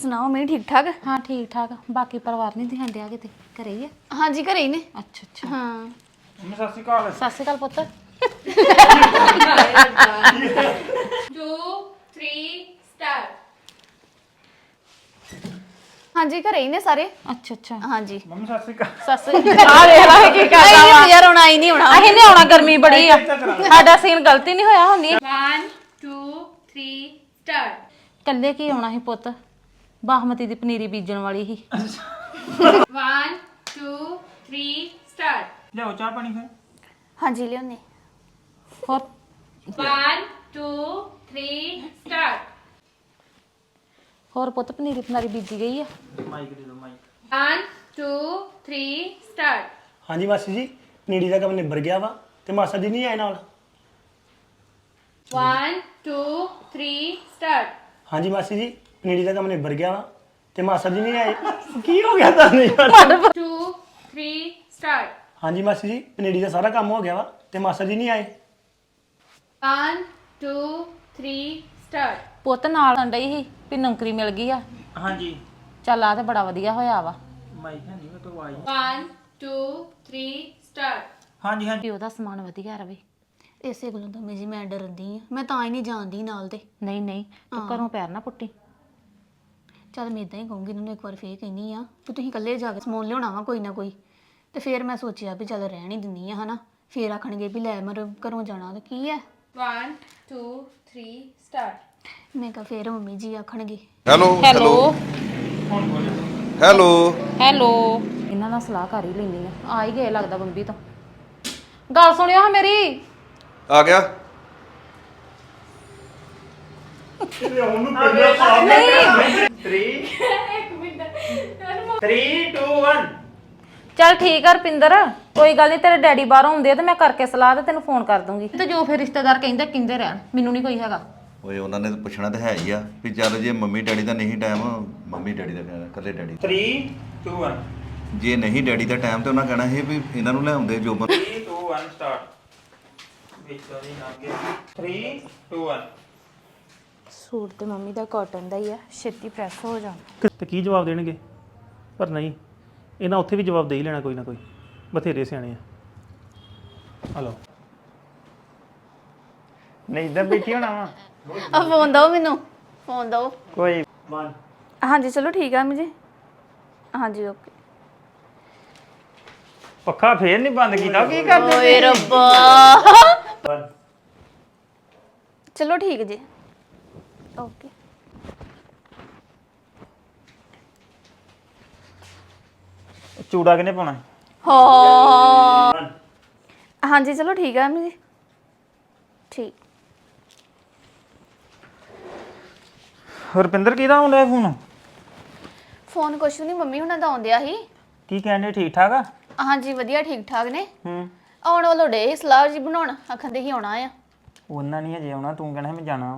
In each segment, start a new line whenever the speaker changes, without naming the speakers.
ਸੁਣਾਓ ਮੇਰੀ ਠੀਕ ਠਾਕ?
ਹਾਂ ਠੀਕ ਠਾਕ। ਬਾਕੀ ਪਰਿਵਾਰ ਨਹੀਂ ਦਿਖਣ ਡਿਆ ਕਿਤੇ, ਘਰੇ ਹੀ ਆ?
ਹਾਂਜੀ ਘਰੇ ਹੀ ਨੇ।
ਅੱਛਾ ਅੱਛਾ।
ਹਾਂ
ਮੰਮੀ ਸਤਿ ਸ਼੍ਰੀ ਅਕਾਲ।
ਸਤਿ ਸ਼੍ਰੀ ਅਕਾਲ ਪੁੱਤ।
2 3 ਸਟਾਰਟ।
ਹਾਂਜੀ ਘਰੇ ਹੀ ਨੇ ਸਾਰੇ।
ਅੱਛਾ ਅੱਛਾ।
ਹਾਂਜੀ
ਮੰਮੀ ਸਤਿ ਸ਼੍ਰੀ ਅਕਾਲ।
ਸਤਿ ਸ਼੍ਰੀ ਅਕਾਲ। ਵੇਖ ਲਾ ਕੀ ਕਰਦਾ ਵਾ।
ਯਾਰ ਹੁਣ ਆਈ ਨਹੀਂ ਹੋਣਾ।
ਅਸੀਂ ਨਹੀਂ ਆਉਣਾ, ਗਰਮੀ ਬੜੀ ਆ। ਸਾਡਾ ਸੀਨ ਗਲਤੀ ਨਹੀਂ ਹੋਇਆ ਹੁੰਦੀ।
1 2 3 ਸਟਾਰਟ।
ਕੱਲੇ ਕੀ ਆਉਣਾ ਸੀ ਪੁੱਤ, ਬਾਸਮਤੀ ਦੀ ਪਨੀਰੀ ਬੀਜਣ ਵਾਲੀ ਸੀ।
1 2 3 ਸਟਾਰਟ।
ਲਿਆਓ ਚਾਹ ਪਾਣੀ ਫਿਰ।
ਹਾਂਜੀ ਲਿਓਨੇ।
ਹੋਰ
1 2 3 ਸਟਾਰਟ।
ਹੋਰ ਪੁੱਤ ਪਨੀਰੀ ਪਨਾਰੀ ਬੀਜੀ ਗਈ ਆ?
ਮਾਈਕ ਦੇ ਦਿਓ ਮਾਈਕ।
1 2 3 ਸਟਾਰਟ।
ਹਾਂਜੀ ਮਾਸੀ ਜੀ, ਨੀੜੀ ਦਾ ਕੰਮ ਨਿਬੜ ਗਿਆ ਵਾ ਤੇ ਮਾਸਾ ਜੀ ਨਹੀਂ ਆਏ ਨਾਲ।
1 2 3 ਸਟਾਰਟ।
ਹਾਂਜੀ ਮਾਸੀ ਜੀ, ਨੀੜੀ ਦਾ ਕੰਮ ਨਿਬੜ ਗਿਆ ਵਾ ਤੇ ਮਾਸਾ ਜੀ ਨਹੀਂ ਆਏ। ਕੀ ਹੋ ਗਿਆ ਤੁਹਾਨੂੰ ਯਾਰ?
2 3 ਸਟਾਰਟ।
ਹਾਂਜੀ ਮਾਸੀ ਜੀ, ਪਨੀਰੀ ਦਾ ਸਾਰਾ ਕੰਮ ਹੋ ਗਿਆ ਵਾ ਤੇ ਮਾਸਾ ਜੀ ਨਹੀਂ ਆਏ।
1 2 3 ਸਟਾਰਟ।
ਪੁੱਤ ਨਾਲ ਡਈ ਸੀ ਵੀ ਨੌਕਰੀ ਮਿਲ ਗਈ ਆ।
ਹਾਂਜੀ
ਚੱਲ ਆ ਤੇ ਬੜਾ ਵਧੀਆ ਹੋਇਆ ਵਾ।
ਮਾਈਕ ਹੈ ਨਹੀਂ ਮੈਂ ਤੋਂ ਆਈ।
1 2 3 ਸਟਾਰਟ।
ਹਾਂਜੀ ਹਾਂਜੀ
ਵੀ ਉਹਦਾ ਸਮਾਨ ਵਧੀਆ ਰਵੇ।
ਇਸੇ ਗੱਲੋਂ ਤਾਂ ਮੈਂ ਜੀ ਮੈਂ ਡਰਦੀ ਆ, ਮੈਂ ਤਾਂ ਹੀ ਨਹੀਂ ਜਾਂਦੀ ਨਾਲ ਤੇ।
ਨਹੀਂ ਨਹੀਂ ਤੂੰ ਘਰੋਂ ਪੈਰ ਨਾ ਪੁੱਟੀ।
ਚੱਲ ਮੈਂ ਇਦਾਂ ਹੀ ਕਹੂੰਗੀ ਇਹਨਾਂ ਨੂੰ ਇੱਕ ਵਾਰ ਫੇਰ ਕਹਿੰਦੀ ਆ ਕਿ ਤੁਸੀਂ ਇਕੱਲੇ ਜਾ ਕੇ ਸਮਾਨ ਲਿਆਉਣਾ ਵਾ ਕੋਈ ਨਾ ਕੋਈ। ਤੇ ਫਿਰ ਮੈਂ ਸੋਚਿਆ ਵੀ ਚੱਲ ਰਹਿਣ ਹੀ ਦਿੰਦੀ ਆ ਹਨਾ, ਫੇਰ ਆਖਣਗੇ ਵੀ ਲੈ ਮਰ ਘਰੋਂ ਜਾਣਾ ਤੇ ਕੀ ਹੈ।
1 2 3 ਸਟਾਰਟ।
ਮੈਂ ਕਿਹਾ ਫੇਰ ਮੰਮੀ ਜੀ ਆਖਣਗੇ।
Hello
hello
hello
hello. ਇਹਨਾਂ ਨਾਲ ਸਲਾਹ ਕਰ ਹੀ ਲੈਣੀ ਆ ਹੀ ਗਏ ਲੱਗਦਾ ਬੰਬੀ ਤੋਂ। ਗੱਲ ਸੁਣਿਓ ਹਾਂ ਮੇਰੀ।
ਆ ਗਿਆ।
ਚੱਲ ਠੀਕ ਆ ਰਪਿੰਦਰ, ਕੋਈ ਗੱਲ ਨਹੀਂ। ਤੇਰੇ ਡੈਡੀ ਬਾਹਰੋਂ ਆਉਂਦੇ ਆ ਤੇ ਮੈਂ ਕਰਕੇ ਸਲਾਹ ਤੇ ਤੈਨੂੰ ਫੋਨ ਕਰ ਦੂੰਗੀ। ਤੇ ਜੋ ਫਿਰ ਰਿਸ਼ਤੇਦਾਰ ਕਹਿੰਦੇ ਰਹਿਣ, ਮੈਨੂੰ ਨਹੀਂ ਕੋਈ ਹੈਗਾ।
ਓਏ ਉਹਨਾਂ ਨੇ ਤਾਂ ਪੁੱਛਣਾ ਤਾਂ ਹੈ ਹੀ ਆ ਵੀ ਚੱਲ ਜੇ ਮੰਮੀ ਡੈਡੀ ਦਾ ਨਹੀਂ ਟਾਈਮ, ਮੰਮੀ ਡੈਡੀ ਦਾ ਕਹਿਣਾ ਇਕੱਲੇ ਡੈਡੀ
3 2 1
ਜੇ ਨਹੀਂ ਡੈਡੀ ਦਾ ਟਾਈਮ ਤੇ ਉਹਨਾਂ ਕਹਿਣਾ ਸੀ ਵੀ ਇਹਨਾਂ ਨੂੰ ਲਿਆਉਂਦੇ ਜੋ
3 2 1 ਸਟਾਰਟ। ਵਿੱਚ ਨਹੀਂ ਨਾ ਕੇ 3 2 1
ਸੂਟ ਤੇ ਮੰਮੀ ਦਾ ਕਾਟਨ ਦਾ ਹੀ ਆ, ਛੇਤੀ ਪ੍ਰੈਸ ਹੋ ਜਾਣਾ।
ਤੇ ਕੀ ਜਵਾਬ ਦੇਣਗੇ? ਪਰ ਨਹੀਂ, ਇਹਨਾਂ ਉੱਥੇ ਵੀ ਜਵਾਬ ਦੇ ਹੀ ਲੈਣਾ ਕੋਈ ਨਾ ਕੋਈ। ਬਥੇਰੇ ਸਿਆਣੇ ਆ। ਹਲੋ
ਨਹੀਂ ਇਦਾਂ ਬੈਠੀ ਹੋਣਾ ਵਾ
ਆ ਫੋਨ ਦਿਓ ਮੈਨੂੰ, ਫੋਨ ਦਿਓ।
ਕੋਈ।
ਹਾਂਜੀ ਚਲੋ ਠੀਕ ਆ ਮੰਮੀ ਜੀ। ਹਾਂਜੀ ਓਕੇ।
ਪੱਖਾ ਫੇਰ ਨਹੀਂ ਬੰਦ ਕੀਤਾ, ਕੀ ਕਰਦੇ?
ਓਏ ਰੱਬਾ। ਚਲੋ ਠੀਕ ਜੀ ਓਕੇ।
ਚੂੜਾ ਕਿਨੇ ਪਾਉਣਾ?
ਹਾਂ ਹਾਂਜੀ ਚਲੋ ਠੀਕ ਆ ਮੰਮੀ ਜੀ। ਠੀਕ।
ਰੁਪਿੰਦਰ ਕਿਹਦਾ ਆਉਂਦਾ ਫੋਨ?
ਫੋਨ ਕੁਛ ਨਹੀਂ, ਮੰਮੀ ਹੁਣਾਂ ਦਾ ਆਉਂਦਿਆ ਸੀ।
ਕੀ ਕਹਿੰਦੇ, ਠੀਕ ਠਾਕ ਆ?
ਹਾਂਜੀ ਵਧੀਆ ਠੀਕ ਠਾਕ ਨੇ।
ਹੂੰ।
ਆਉਣ ਵਾਲੋ ਡੇ ਸਲਾਹ ਜੀ ਬਣਾਉਣ, ਆਖੰਦੇ ਹੀ ਆਉਣਾ ਆ।
ਉਹਨਾਂ ਨਹੀਂ ਹਜੇ ਆਉਣਾ, ਤੂੰ ਕਹਿਣਾ ਮੈਂ ਜਾਣਾ।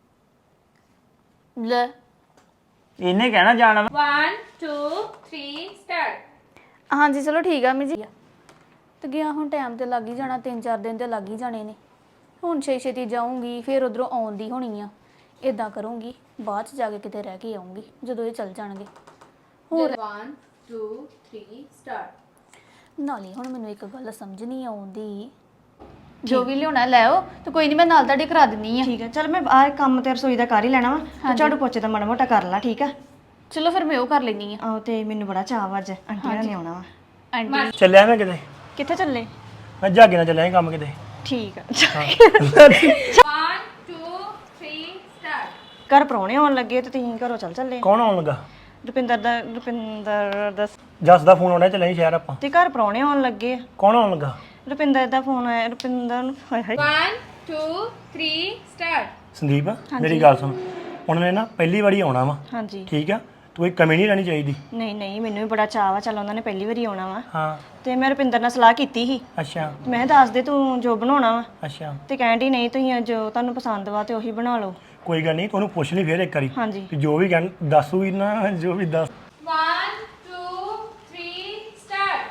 ਲੈ
ਇਹਨੇ ਕਹਿਣਾ ਜਾਣਾ।
1 2 3 ਸਟਾਰਟ।
ਹਾਂਜੀ ਚਲੋ ਠੀਕ ਆ ਮੰਮੀ ਜੀ। ਤੇ ਗਿਆ ਹੁਣ ਟਾਈਮ ਤੇ ਲੱਗ ਹੀ ਜਾਣਾ, 3-4 ਦਿਨ ਤੇ ਲੱਗ ਹੀ ਜਾਣੇ ਨੇ। ਹੁਣ ਛੇਤੀ ਜਾਊਂਗੀ, ਫਿਰ ਉਧਰੋਂ ਆਉਣ ਦੀ ਹੋਣੀ ਆ। ਇਦਾਂ ਕਰੂੰਗੀ ਬਾਅਦ ਚ ਜਾ ਕੇ ਕਿਤੇ ਰਹਿ ਕੇ ਆਉਂਗੀ ਜਦੋਂ ਇਹ ਚੱਲ ਜਾਣਗੇ। ਹੋਰ
1 2 3 ਸਟਾਰਟ।
ਨਾਲੇ ਹੁਣ ਮੈਨੂੰ ਇੱਕ ਗੱਲ ਸਮਝ ਨਹੀਂ ਆਉਂਦੀ, ਜੋ ਵੀ ਲਿਆਉਣਾ ਲੈ ਆਓ ਤੇ ਕੋਈ ਨਹੀਂ ਮੈਂ ਨਾਲ ਤੁਹਾਡੇ ਕਰਾ ਦਿੰਨੀ ਆ।
ਠੀਕ ਹੈ ਚਲ ਮੈਂ ਆਹ ਕੰਮ ਤੇ ਰਸੋਈ ਦਾ ਕਰ ਹੀ ਲੈਣਾ ਵਾ ਤੇ ਝਾੜੂ ਪੋਚੇ ਦਾ ਮਾੜਾ ਮੋਟਾ ਕਰ ਲਾ। ਠੀਕ ਆ
ਚਲੋ ਫਿਰ ਮੈਂ ਉਹ ਕਰ ਲੈਣੀ ਆ।
ਆਹੋ ਤੇ ਮੈਨੂੰ ਬੜਾ ਚਾਅ ਵਾ ਅੱਜ ਆਂਟੀ ਨਾਲ ਨੇ ਆਉਣਾ ਵਾ।
ਆਂਟੀ
ਚੱਲਿਆ ਮੈਂ ਕਿਤੇ,
ਕਿੱਥੇ ਚੱਲੇ?
ਮੈਂ ਜਾਗੇ ਨਾਲ ਚੱਲਿਆ ਸੀ ਕੰਮ ਕਿਤੇ।
ਠੀਕ ਆ
1 2 3 ਸਟਾਰਟ।
ਘਰ ਪ੍ਰਾਹੁਣੇ ਆਉਣ ਲੱਗੇ ਤੇ ਤੁਸੀਂ ਘਰੋਂ ਚੱਲੇ।
ਕੌਣ ਆਉਣ ਲੱਗਾ?
ਰੁਪਿੰਦਰ ਦਾ
ਜੱਸ ਦਾ ਫੋਨ ਆਉਣਾ, ਚੱਲਿਆ ਸੀ ਸ਼ਹਿਰ ਆਪਾਂ।
ਤੇ ਘਰ ਪ੍ਰਾਹੁਣੇ ਆਉਣ ਲੱਗੇ।
ਕੌਣ ਆਉਣ ਲੱਗਾ?
ਰੁਪਿੰਦਰ ਦਾ ਫੋਨ ਆਇਆ। ਰੁਪਿੰਦਰ ਨੂੰ ਹਾਏ ਹਾਏ
1 2 3 ਸਟਾਰਟ।
ਸੰਦੀਪ ਮੇਰੀ ਗੱਲ ਸੁਣ, ਉਹਨਾਂ ਨੇ ਨਾ ਪਹਿਲੀ ਵਾਰੀ ਆਉਣਾ ਵਾ,
ਹਾਂਜੀ।
ਠੀਕ ਆ? ਤੂੰ ਇੱਕ ਕਮੀ ਨਹੀਂ ਰਹਿਣੀ ਚਾਹੀਦੀ।
ਨਹੀਂ ਨਹੀਂ ਮੈਨੂੰ ਵੀ ਬੜਾ ਚਾਅ ਵਾ, ਚੱਲ ਉਹਨਾਂ ਨੇ ਪਹਿਲੀ ਵਾਰੀ ਆਉਣਾ ਵਾ।
ਹਾਂ
ਤੇ ਮੈਂ ਰੁਪਿੰਦਰ ਨਾਲ ਸਲਾਹ ਕੀਤੀ ਸੀ।
ਅੱਛਾ
ਮੈਂ ਦੱਸ ਦੇ ਤੂੰ ਜੋ ਬਣਾਉਣਾ ਵਾ।
ਅੱਛਾ
ਤੇ ਕਹਿੰਦੀ ਨਹੀਂ ਤੁਸੀਂ ਜੋ ਤੁਹਾਨੂੰ ਪਸੰਦ ਵਾ ਤੇ ਉਹੀ ਬਣਾ ਲਓ।
ਕੋਈ ਗੱਲ ਨਹੀਂ, ਤੂੰ ਉਹਨੂੰ ਪੁੱਛ ਲਈ ਫੇਰ ਇੱਕ ਵਾਰੀ
ਹਾਂਜੀ
ਕਿ ਜੋ ਵੀ ਕਹਿਣ ਦੱਸੂਗੀ ਨਾ, ਜੋ ਵੀ ਦੱਸ।
1 2 3 ਸਟਾਰਟ।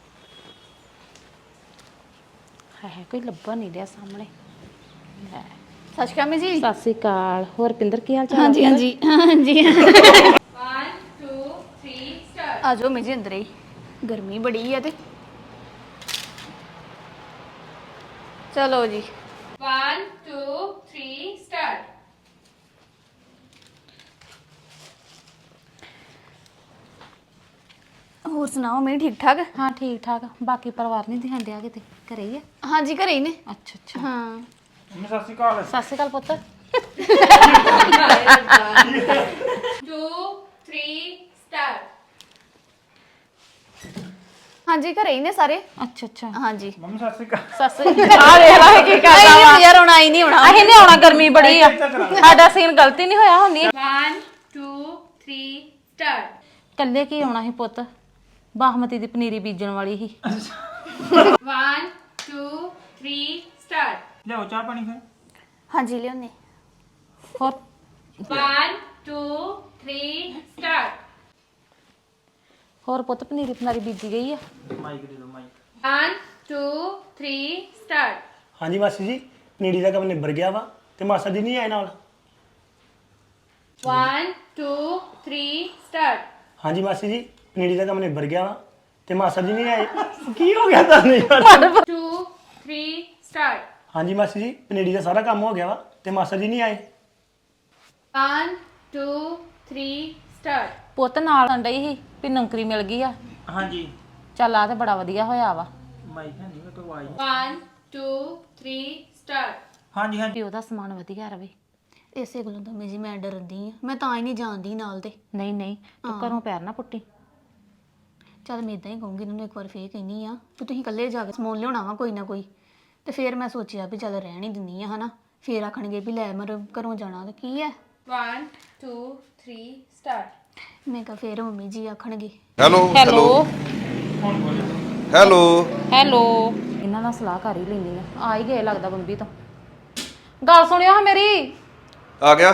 ਹੈ ਕੋਈ ਲੱਭਾ ਨਹੀਂ ਰਿਹਾ ਸਾਹਮਣੇ। ਲੈ
ਸਤਿ ਸ਼੍ਰੀ ਅਕਾਲ ਜੀ।
ਸਤਿ ਸ਼੍ਰੀ ਅਕਾਲ। ਹੋਰ ਰਪਿੰਦਰ ਕੀ ਹਾਲ ਚਾਲ?
ਹਾਂਜੀ ਹਾਂਜੀ ਹਾਂਜੀ। ਆ ਜਾਓ ਮੇਜੇ ਅੰਦਰ ਹੀ ਗਰਮੀ ਬੜੀ ਆ ਤੇ ਚਲੋ ਜੀ
1 2 3 start
ਹੋਰ ਸੁਣਾਓ ਮੇਰੀ ਠੀਕ ਠਾਕ
ਹਾਂ ਠੀਕ ਠਾਕ ਬਾਕੀ ਪਰਿਵਾਰ ਨਹੀਂ ਦਿਖਣ ਡਿਆ ਕਿਤੇ ਘਰੇ ਹੀ ਆ
ਹਾਂਜੀ ਘਰੇ ਹੀ ਨੇ
ਅੱਛਾ ਅੱਛਾ
ਹਾਂ
ਮੰਮੀ ਸਤਿ ਸ਼੍ਰੀ ਅਕਾਲ
ਸਤਿ ਸ਼੍ਰੀ ਅਕਾਲ ਪੁੱਤ
2 3 start
ਹਾਂਜੀ ਘਰੇ ਹੀ ਨੇ ਸਾਰੇ
ਅੱਛਾ ਅੱਛਾ
ਹਾਂਜੀ
ਮੰਮੀ ਸਤਿ ਸ਼੍ਰੀ ਅਕਾਲ
ਸੱਸ ਆ ਵੇਖ ਲੈ ਕੀ ਕਰਦਾ ਵਾ
ਨਹੀਂ ਯਾਰ ਹੁਣ ਆਈ ਨਹੀਂ ਹੋਣਾ
ਅਸੀਂ ਨਹੀਂ ਆਉਣਾ ਗਰਮੀ ਬੜੀ ਆ ਸਾਡਾ ਸੀਨ ਗਲਤੀ ਨਹੀਂ ਹੋਇਆ ਹੁੰਦੀ
1 2 3 start
ਕੱਲੇ ਕੀ ਆਉਣਾ ਸੀ ਪੁੱਤ ਬਾਸਮਤੀ ਦੀ ਪਨੀਰੀ ਬੀਜਣ ਵਾਲੀ ਸੀ
1 2 3 start
ਲਿਆਓ ਚਾਹ ਪਾਣੀ ਫਿਰ
ਹਾਂਜੀ ਲਿਓਨੇ
ਹੋਰ
1 2 3 start
ਹੋਰ ਪੁੱਤ ਪਨੀਰੀ ਪਨਾਰੀ ਬੀਜੀ ਗਈ ਆ
ਮਾਈਕ ਦੇ ਦਿਓ ਮਾਈਕ
1 2 3 start
ਹਾਂਜੀ ਮਾਸੀ ਜੀ ਨੀੜੀ ਦਾ ਕੰਮ ਨਿਬੜ ਗਿਆ ਵਾ ਤੇ ਮਾਸਾ ਜੀ ਨਹੀਂ ਆਏ ਨਾਲ
1 2 3 start
ਹਾਂਜੀ ਮਾਸੀ ਜੀ ਨੀੜੀ ਦਾ ਕੰਮ ਨਿਬੜ ਗਿਆ ਵਾ ਤੇ ਮਾਸਾ ਜੀ ਨਹੀਂ ਆਏ ਕੀ ਹੋ ਗਿਆ ਤੁਹਾਨੂੰ ਯਾਰ
2 3 start
ਹਾਂਜੀ ਮਾਸੀ ਜੀ ਪਨੀਰੀ ਦਾ ਸਾਰਾ ਕੰਮ ਹੋ ਗਿਆ ਵਾ ਤੇ ਮਾਸਾ ਜੀ ਨਹੀਂ ਆਏ
1 2 3 start
ਪੁੱਤ ਨਾਲ ਡਈ ਸੀ ਵੀ ਨੌਕਰੀ ਮਿਲ ਗਈ ਆ
ਹਾਂਜੀ
ਚੱਲ ਆ ਤੇ ਬੜਾ ਵਧੀਆ ਹੋਇਆ ਵਾ
ਮਾਈਕ ਹੈ ਨਹੀਂ ਕੋਈ ਆਵਾਜ਼
1 2 3 start
ਹਾਂਜੀ ਹਾਂਜੀ
ਵੀ ਉਹਦਾ ਸਮਾਨ ਵਧੀਆ ਰਵੇ
ਇਸੇ ਗੱਲੋਂ ਤਾਂ ਮੇਜੀ ਮੈਂ ਡਰਦੀ ਆ ਮੈਂ ਤਾਂ ਹੀ ਨਹੀਂ ਜਾਂਦੀ ਨਾਲ ਤੇ
ਨਹੀਂ ਨਹੀਂ ਤੂੰ ਘਰੋਂ ਪੈਰ ਨਾ ਪੁੱਟੀ
ਚੱਲ ਮੈਂ ਇਦਾਂ ਹੀ ਕਹੂੰਗੀ ਇਹਨਾਂ ਨੂੰ ਇੱਕ ਵਾਰ ਫੇਰ ਕਹਿੰਦੀ ਆ ਕਿ ਤੁਸੀਂ ਇਕੱਲੇ ਜਾ ਕੇ ਸਮਾਨ ਲਿਆਉਣਾ ਵਾ ਕੋਈ ਨਾ ਕੋਈ ਤੇ ਫੇਰ ਮੈਂ ਸੋਚਿਆ ਵੀ ਚੱਲ ਰਹਿਣ ਹੀ ਦਿੰਦੀ ਆ ਹਨਾ ਫੇਰ ਆਖਣਗੇ ਵੀ ਲੈ ਮਰ ਘਰੋਂ ਜਾਣਾ ਤੇ ਕੀ ਹੈ
1 2 3 start
ਮੈਂ ਕਿਹਾ ਫੇਰ ਮੰਮੀ ਜੀ ਆਖਣਗੇ
ਹੈਲੋ
ਹੈਲੋ
ਹੈਲੋ
ਹੈਲੋ ਇਹਨਾਂ ਨਾਲ ਸਲਾਹ ਕਰ ਹੀ ਲੈਣੀ ਆ ਹੀ ਗਏ ਲੱਗਦਾ ਬੰਬੀ ਤੋਂ ਗੱਲ ਸੁਣਿਓ ਹਾਂ ਮੇਰੀ
ਆ ਗਿਆ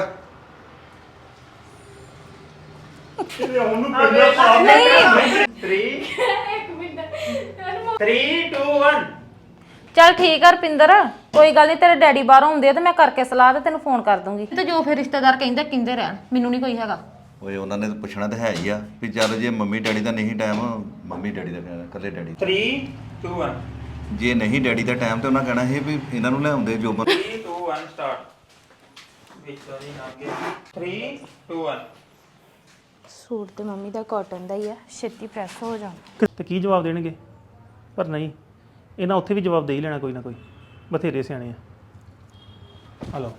3 2 1
ਚੱਲ ਠੀਕ ਆ ਰਪਿੰਦਰ ਕੋਈ ਗੱਲ ਨਹੀਂ ਤੇਰੇ ਡੈਡੀ ਬਾਹਰੋਂ ਆਉਂਦੇ ਆ ਤੇ ਮੈਂ ਕਰਕੇ ਸਲਾਹ ਤੇ ਤੈਨੂੰ ਫੋਨ ਕਰ ਦੂੰਗੀ ਤੇ ਜੋ ਫਿਰ ਰਿਸ਼ਤੇਦਾਰ ਕਹਿੰਦੇ ਰਹਿਣ ਮੈਨੂੰ ਨਹੀਂ ਕੋਈ ਹੈਗਾ
ਓਏ ਉਹਨਾਂ ਨੇ ਤਾਂ ਪੁੱਛਣਾ ਤਾਂ ਹੈ ਹੀ ਆ ਵੀ ਚੱਲ ਜੇ ਮੰਮੀ ਡੈਡੀ ਦਾ ਨਹੀਂ ਟਾਈਮ ਮੰਮੀ ਡੈਡੀ ਦਾ ਕਹਿਣਾ ਇਕੱਲੇ ਡੈਡੀ
3 2 1
ਜੇ ਨਹੀਂ ਡੈਡੀ ਦਾ ਟਾਈਮ ਤੇ ਉਹਨਾਂ ਕਹਿਣਾ ਸੀ ਵੀ ਇਹਨਾਂ ਨੂੰ ਲਿਆਉਂਦੇ ਜੋ
3 2 1 ਸਟਾਰਟ ਵਿੱਚ ਨਹੀਂ ਲੰਘੇ 3 2 1
ਸੂਟ ਤੇ ਮੰਮੀ ਦਾ ਕਾਟਨ ਦਾ ਹੀ ਆ ਛੇਤੀ ਪ੍ਰੈਸ ਹੋ ਜਾਣਾ
ਤੇ ਕੀ ਜਵਾਬ ਦੇਣਗੇ ਪਰ ਨਹੀਂ ਇਹਨਾਂ ਉੱਥੇ ਵੀ ਜਵਾਬ ਦੇ ਹੀ ਲੈਣਾ ਕੋਈ ਨਾ ਕੋਈ ਬਥੇਰੇ ਸਿਆਣੇ ਆ ਹਲੋ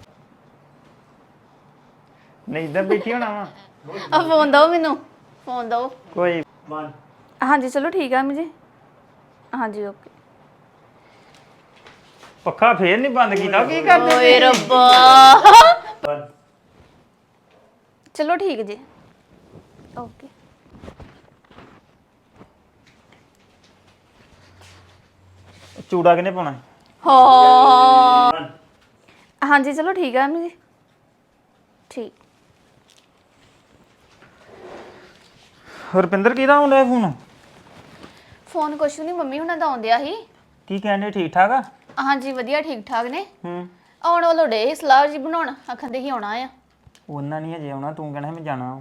ਨਹੀਂ ਇਧਰ ਬੈਠੀ ਹੋਣਾ ਵਾ
ਆ ਫੋਨ ਦਿਓ ਮੈਨੂੰ ਫੋਨ ਦਿਓ
ਕੋਈ
1
ਹਾਂਜੀ ਚਲੋ ਠੀਕ ਆ ਜੀ ਹਾਂਜੀ ਓਕੇ
ਪੱਖਾ ਫੇਰ ਨਹੀਂ ਬੰਦ ਕੀਤਾ ਕੀ ਕਰਦੇ
ਓਏ ਰੱਬਾ
1
ਚਲੋ ਠੀਕ ਜੀ ਓਕੇ
ਚੂੜਾ ਕਿਨੇ ਪਾਉਣਾ
ਹਾਂ ਹਾਂਜੀ ਚਲੋ ਠੀਕ ਆ ਜੀ ਠੀਕ
ਰੁਪਿੰਦਰ ਕਿਹਦਾ ਆਉਂਦਾ ਫੋਨ
ਫੋਨ ਕੁਛ ਨਹੀਂ ਮੰਮੀ ਹੁਣਾਂ ਦਾ ਆਉਂਦਿਆ ਸੀ
ਕੀ ਕਹਿੰਦੇ ਠੀਕ ਠਾਕ ਆ
ਹਾਂਜੀ ਵਧੀਆ ਠੀਕ ਠਾਕ ਨੇ
ਹੂੰ
ਆਉਣ ਵਾਲੋ ਡੇ ਸਲਾਹ ਜੀ ਬਣਾਉਣ ਆਖੰਦੇ ਹੀ ਆਉਣਾ ਆ
ਉਹਨਾਂ ਨਹੀਂ ਹਜੇ ਆਉਣਾ ਤੂੰ ਕਹਿਣਾ ਮੈਂ ਜਾਣਾ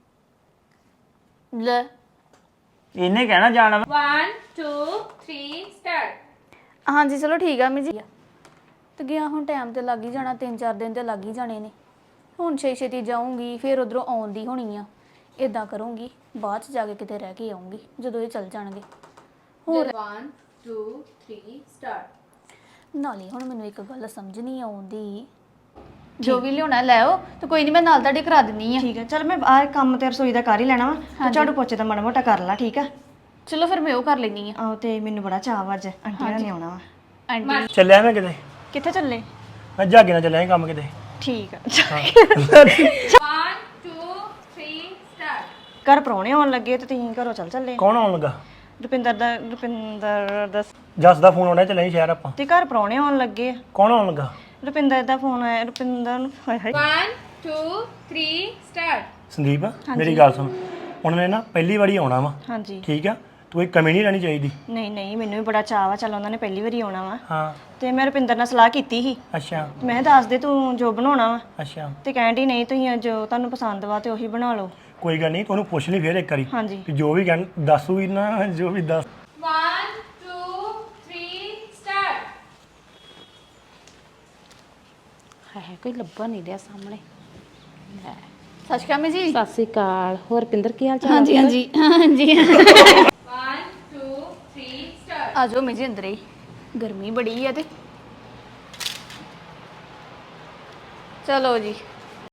ਲੈ
ਇਹਨੇ ਕਹਿਣਾ ਜਾਣਾ
1 2 3 start
ਹਾਂਜੀ ਚਲੋ ਠੀਕ ਆ ਜੀ ਤੇ ਗਿਆ ਹੁਣ ਟਾਈਮ ਤੇ ਲੱਗ ਹੀ ਜਾਣਾ 3-4 ਦਿਨ ਤੇ ਲੱਗ ਹੀ ਜਾਣੇ ਨੇ ਹੁਣ ਛੇਤੀ ਜਾਊਂਗੀ ਫਿਰ ਉਧਰੋਂ ਆਉਣ ਦੀ ਹੋਣੀ ਆ ਇਦਾਂ ਕਰੂੰਗੀ ਬਾਅਦ ਚ ਜਾ ਕੇ ਕਿਤੇ ਰਹਿ ਕੇ ਆਉਂਗੀ ਜਦੋਂ ਇਹ ਚੱਲ ਜਾਣਗੇ ਹੋਰ
1 2 3 start
ਨਾਲੇ ਹੁਣ ਮੈਨੂੰ ਇੱਕ ਗੱਲ ਸਮਝ ਨਹੀਂ ਆਉਂਦੀ ਜੋ ਵੀ ਲਿਆਉਣਾ ਲੈ ਆਓ ਤੇ ਕੋਈ ਨਹੀਂ ਮੈਂ ਨਾਲ ਤੁਹਾਡੇ ਕਰਾ ਦਿੰਨੀ ਆ
ਠੀਕ ਹੈ ਚਲ ਮੈਂ ਆਹ ਕੰਮ ਤੇ ਰਸੋਈ ਦਾ ਕਰ ਹੀ ਲੈਣਾ ਵਾ ਤੇ ਝਾੜੂ ਪੋਚੇ ਦਾ ਮਾੜਾ ਮੋਟਾ ਕਰ ਲਾ ਠੀਕ ਆ
ਚਲੋ ਫਿਰ ਮੈਂ ਉਹ ਕਰ ਲੈਣੀ ਆ
ਆਹੋ ਤੇ ਮੈਨੂੰ ਬੜਾ ਚਾਅ ਵਾ ਅੱਜ ਆਂਟੀ ਨਾਲ ਨੇ ਆਉਣਾ ਵਾ
ਆਂਟੀ
ਚੱਲਿਆ ਮੈਂ ਕਿਤੇ
ਕਿੱਥੇ ਚੱਲੇ
ਮੈਂ ਜਾਗੇ ਨਾਲ ਚੱਲਿਆ ਸੀ ਕੰਮ ਕਿਤੇ
ਠੀਕ ਆ
1 2 3 start
ਘਰ ਪ੍ਰਾਹੁਣੇ ਆਉਣ ਲੱਗੇ ਤੇ ਤੁਸੀਂ ਘਰੋਂ ਚੱਲੇ
ਕੌਣ ਆਉਣ ਲੱਗਾ
ਰੁਪਿੰਦਰ ਦਾ
ਜੱਸ ਦਾ ਫੋਨ ਆਉਣਾ ਚੱਲਿਆ ਸੀ ਸ਼ਹਿਰ ਆਪਾਂ
ਤੇ ਘਰ ਪ੍ਰਾਹੁਣੇ ਆਉਣ ਲੱਗੇ ਆ।
ਕੌਣ ਆਉਣ ਲੱਗਾ
ਰੁਪਿੰਦਰ ਦਾ ਫੋਨ ਆਇਆ ਰੁਪਿੰਦਰ ਨੂੰ ਹਾਏ ਹਾਏ
1 2 3 start
ਸੰਦੀਪ ਮੇਰੀ ਗੱਲ ਸੁਣ ਉਹਨਾਂ ਨੇ ਨਾ ਪਹਿਲੀ ਵਾਰੀ ਆਉਣਾ ਵਾ
ਹਾਂਜੀ
ਠੀਕ ਆ ਕੋਈ ਕਮੀ ਨਹੀਂ ਰਹਿਣੀ ਚਾਹੀਦੀ
ਨਹੀਂ ਨਹੀਂ ਮੈਨੂੰ ਵੀ ਬੜਾ ਚਾਅ ਵਾ, ਚੱਲ ਉਹਨਾਂ ਨੇ ਪਹਿਲੀ ਵਾਰੀ ਆਉਣਾ ਵਾ
ਹਾਂ
ਤੇ ਮੈਂ ਰੁਪਿੰਦਰ ਨਾਲ ਸਲਾਹ ਕੀਤੀ ਸੀ।
ਅੱਛਾ
ਮੈਂ ਕਿਹਾ ਦੱਸ ਦੇ ਤੂੰ ਜੋ ਬਣਾਉਣਾ ਵਾ,
ਅੱਛਾ
ਤੇ ਕਹਿੰਦੀ ਨਹੀਂ ਤੁਸੀਂ ਜੋ ਤੁਹਾਨੂੰ ਪਸੰਦ ਵਾ ਤੇ ਉਹੀ ਬਣਾ ਲਓ।
ਕੋਈ ਗੱਲ ਨਹੀਂ ਤੂੰ ਉਹਨੂੰ ਪੁੱਛ ਲਈ ਫੇਰ ਇੱਕ ਵਾਰੀ
ਹਾਂਜੀ
ਕਿ ਜੋ ਵੀ ਕਹਿਣ ਦੱਸੂਗੀ ਨਾ ਜੋ ਵੀ ਦੱਸ
1 2 3 start
ਹੈ ਕੋਈ ਲੱਭਾ ਨਹੀਂ ਰਿਹਾ ਸਾਹਮਣੇ।
ਸਤਿ ਸ਼੍ਰੀ ਅਕਾਲ ਜੀ।
ਸਤਿ ਸ੍ਰੀ ਅਕਾਲ। ਹੋਰ ਪਿੰਦਰ ਕੀ ਹਾਲ ਚਾਲ?
ਹਾਂਜੀ ਹਾਂਜੀ ਹਾਂਜੀ
1 2 3 start
ਆ ਜਾਓ ਮੇਜੀ ਅੰਦਰ ਹੀ, ਗਰਮੀ ਬੜੀ ਆ ਤੇ ਚਲੋ ਜੀ